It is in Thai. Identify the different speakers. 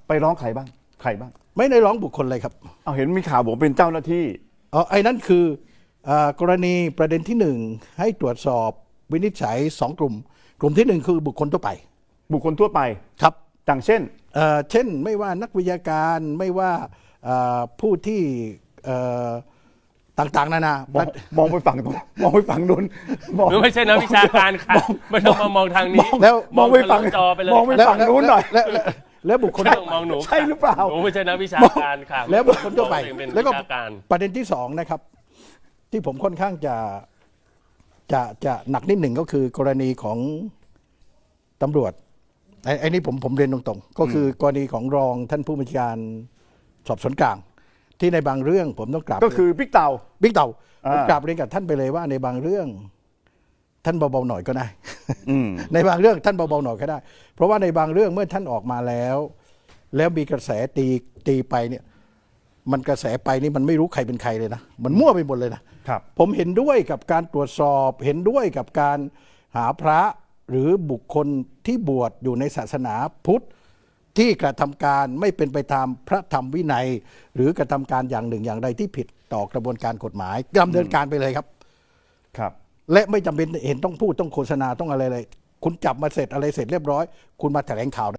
Speaker 1: ไปร้องใครบ้าง
Speaker 2: ไม่ได้ร้องบุคคลเลยครับ
Speaker 1: เอาเห็นมีข่าวบอกเป็นเจ้าหน้าที่
Speaker 2: ไอ้นั่นคือกรณีประเด็นที่ 1ให้ตรวจสอบวินิจฉัย2 กลุ่มที่ 1คือบุคคลทั่วไป
Speaker 1: ครับดังเช่น
Speaker 2: ไม่ว่านักวิทยาการไม่ว่าผู้ที่ต่างๆนาน
Speaker 1: ามองไปฝั่งนู้น
Speaker 3: หรือไม่ใช่นักวิชาการค่ะไม่ต้องมามองทางนี้
Speaker 2: แล้ว
Speaker 1: มองไปฝั่ง
Speaker 3: จอไปเลย
Speaker 1: มองไปฝั่งนู้นหน่อย
Speaker 2: แล้วบุคคล
Speaker 3: มองหนู
Speaker 1: ใช่หรือเปล่า
Speaker 3: หนูไม่ใช่นักวิชาการค่ะ
Speaker 2: แล้วบุคคลทั่วไปแล้วก็
Speaker 3: การ
Speaker 2: ประเด็นที่2นะครับที่ผมค่อนข้างจะหนักนิดหนึ่งก็คือกรณีของตำรวจไอ้นี่ผมเรียนตรงๆก็คือกรณีของรองท่านผู้บัญชาการสอบสวนกลางที่ในบางเรื่องผมต้องกราบ
Speaker 1: ก็คือบิ๊กเต่า
Speaker 2: ผมกราบเรียนกับท่านไปเลยว่าในบางเรื่องท่านเบาๆหน่อยก็ได้ในบางเรื่องท่านเบาๆหน่อยก็ได้เพราะว่าในบางเรื่องเมื่อท่านออกมาแล้วมีกระแสตีไปเนี่ยมันกระแสไปนี่มันไม่รู้ใครเป็นใครเลยนะมันมั่วไปหมดเลยนะครับผมเห็นด้วยกับการตรวจสอบเห็นด้วยกับการหาพระหรือบุคคลที่บวชอยู่ในศาสนาพุทธที่กระทำการไม่เป็นไปตามพระธรรมวินัยหรือกระทำการอย่างหนึ่งอย่างใดที่ผิดต่อกระบวนการกฎหมายดำเนินการไปเลยครับและไม่จำเป็นเห็นต้องพูดต้องโฆษณาต้องอะไรเลยคุณจับมาเสร็จอะไรเสร็จเรียบร้อยคุณมาแถลงข่าว